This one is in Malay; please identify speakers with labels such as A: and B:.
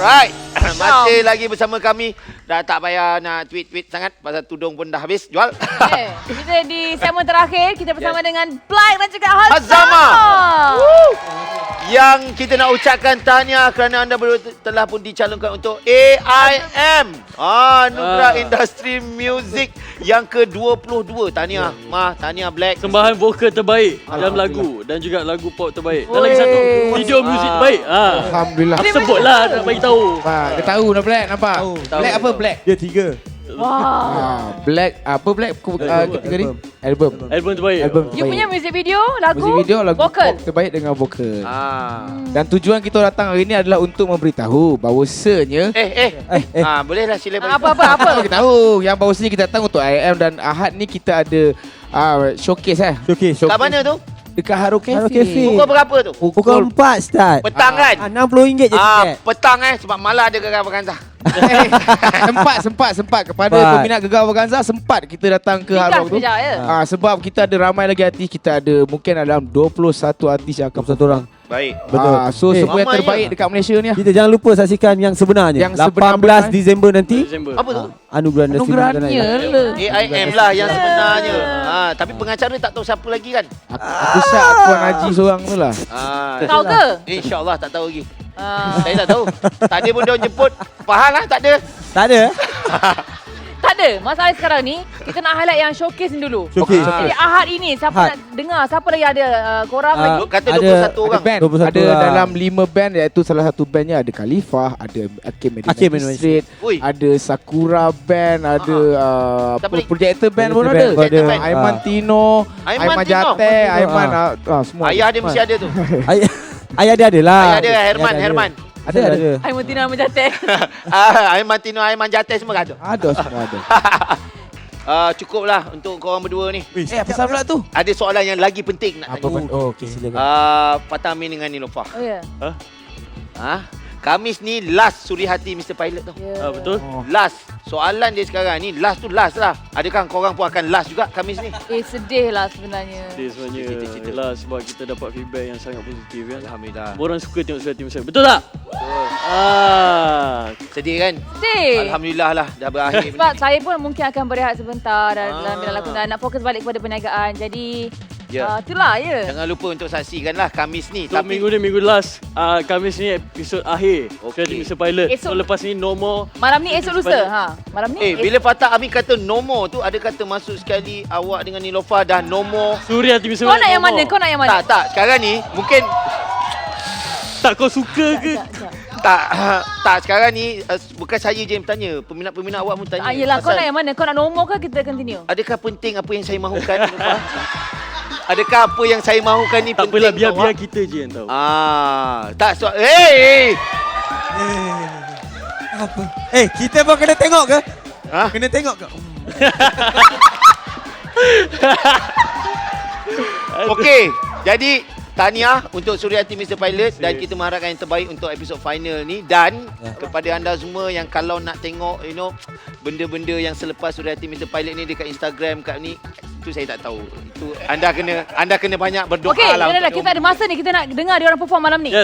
A: Alright. Masih lagi bersama kami. Dah tak payah nak tweet-tweet sangat pasal tudung pun dah habis jual.
B: Kita di segmen terakhir kita bersama dengan Black dan juga
A: Hazama. Yang kita nak ucapkan tahniah kerana anda berdua telah pun dicalonkan untuk AIM. Anugerah Industri Music yang ke-22. Tahniah Mah, tahniah Black.
C: Sembahan vokal terbaik dalam lagu dan juga lagu pop terbaik. Dan lagi satu, video muzik terbaik.
D: Alhamdulillah.
C: Aku sebutlah nak bagi tahu.
D: Dia tahu dah Black, nampak? Black apa Black?
E: Dia 3.
D: Black apa Black? Ketiga ni? Album
C: Album terbaik.
B: You punya music video, lagu,
D: Music video lagu
B: vokal.
D: pop terbaik dengan vokal.
A: Dan
D: Dan tujuan kita datang hari ni adalah untuk memberitahu bahawasanya
A: bolehlah sila bagi.
B: Apa?
D: kita tahu yang bahawasanya kita datang untuk IM dan Ahad ni kita ada showcase
E: Showcase.
A: Kat mana tu?
D: dekat Haro Cafe.
E: Haro Cafe.
A: Pukul berapa tu?
E: Pukul 4 start.
A: Petang kan?
E: RM60 je tiket.
A: Petang sebab malah ada gegar berganza.
D: sempat kepada
E: Sempat.
D: peminat Gegar Organza sempat kita datang ke Haro tu.
B: Sekejap ya.
D: Sebab kita ada ramai lagi artis, kita ada mungkin dalam 21 artis yang akan
E: Satu orang.
A: Baik.
E: Betul.
D: So semua yang
A: ramai
D: terbaik
A: ya.
D: dekat Malaysia ni.
E: Kita jangan lupa saksikan yang sebenarnya.
D: Yang sebenar-benar.
E: 18 Disember nanti.
C: Desember.
A: Apa tu?
E: Anugerah Industri
B: Anugerahnya lah.
A: AIM lah yang sebenarnya. Tapi pengacara tak tahu siapa lagi kan?
D: Aku syak Puan Haji seorang tu lah.
B: Kau ke?
A: InsyaAllah tak tahu lagi. Saya tak tahu. Tadi pun dia jemput. Faham lah tak ada.
E: Tak ada.
B: Tak ada. Masalah sekarang ni kita nak highlight yang showcase ni dulu.
E: Showcase.
B: Jadi Ahad ini siapa
E: Ahad.
B: nak dengar, siapa lagi ada korang lagi?
A: Kata
E: Ada-
A: 21
D: Ada
A: orang.
D: band.
E: 21
D: Ada
E: orang.
D: dalam 5 band, iaitu salah satu bandnya ada Khalifah, ada Hakim
E: Hakim
D: Magistrate,
A: Ui.
D: ada Sakura Band, ada
A: Siapa lagi?
D: Projector Band pun
E: Projector
D: ada.
E: Band pun ada.
D: Aiman Tino,
A: Aiman
D: Aiman
A: Tino.
D: Jate, Aiman semua.
A: Ayah dia mesti ada tu.
E: Ayah dia ada lah.
A: Ayah dia Herman.
D: Ada.
B: Aiman Tina Menjate.
A: Aiman Tino, Aiman Jate semua ada.
D: Ada semua ada.
A: Cukuplah untuk korang berdua ni.
D: Apa pasal pula tu?
A: Ada soalan yang lagi penting nak
D: Apa
A: tanya.
E: Oh, okey silakan.
A: Fatah Amin dengan Niloufar.
B: Oh ya.
A: Khamis ni last suri hati Mr. Pilot tu.
C: Betul.
A: Last. Soalan dia sekarang ni last tu last lah. Adakah korang pun akan last juga Khamis ni?
B: Sedih lah sebenarnya.
C: Dia sebenarnya
A: Cerita.
C: lah sebab kita dapat feedback yang sangat positif kan.
A: Alhamdulillah.
C: Orang suka tengok suara tim saya. Betul tak?
A: Sedih kan?
B: Sedih.
A: Alhamdulillah lah dah berakhir
B: Sebab
A: benda ni.
B: saya pun mungkin akan berehat sebentar dalam bidang lakonan, nak fokus balik kepada perniagaan. Jadi itulah ya.
A: Jangan lupa untuk saksikan lah Khamis ni.
C: So, minggu ni minggu last. Khamis ni episod akhir.
A: Okey.
C: Suara tim Mr. Pilot.
B: Esok-
C: So lepas ni no more.
B: Malam ni esok lusa. Malam ni.
A: Bila Fatah Amin kata no more tu, ada kata masuk sekali awak dengan Niloufar dah no more.
C: Suria tim Mr.
B: Kau
C: Pilot.
B: nak yang
C: no
B: mana?
C: more.
B: Kau nak yang mana?
A: Tak. Sekarang ni mungkin
C: Tak kau suka ke?
A: tak sekarang ni bukan saya je yang bertanya. Peminat-peminat awak pun tanya.
B: Yelah, kau
A: Pasal
B: nak yang mana? Kau nak nombor ke kita continue?
A: adakah penting apa yang saya mahukan? Niloufar? Adakah apa yang saya mahukan ni
C: Tak
A: penting?
C: apalah, biar
A: awak?
C: kita je yang tahu.
A: Tak hey!
E: Apa? Kita pun kena tengok ke?
A: Ha?
E: Kena tengok ke?
A: Okey, jadi tahniah untuk Suryati Mr. Pilot dan kita mengharapkan yang terbaik untuk episod final ni dan kepada anda semua yang kalau nak tengok benda-benda yang selepas Suryati Mr. Pilot ni dekat Instagram kat ni, itu saya tak tahu. Itu anda kena banyak berdoa
B: Okey,
A: lah.
B: kita ada masa ni, kita nak dengar dia orang perform malam ni.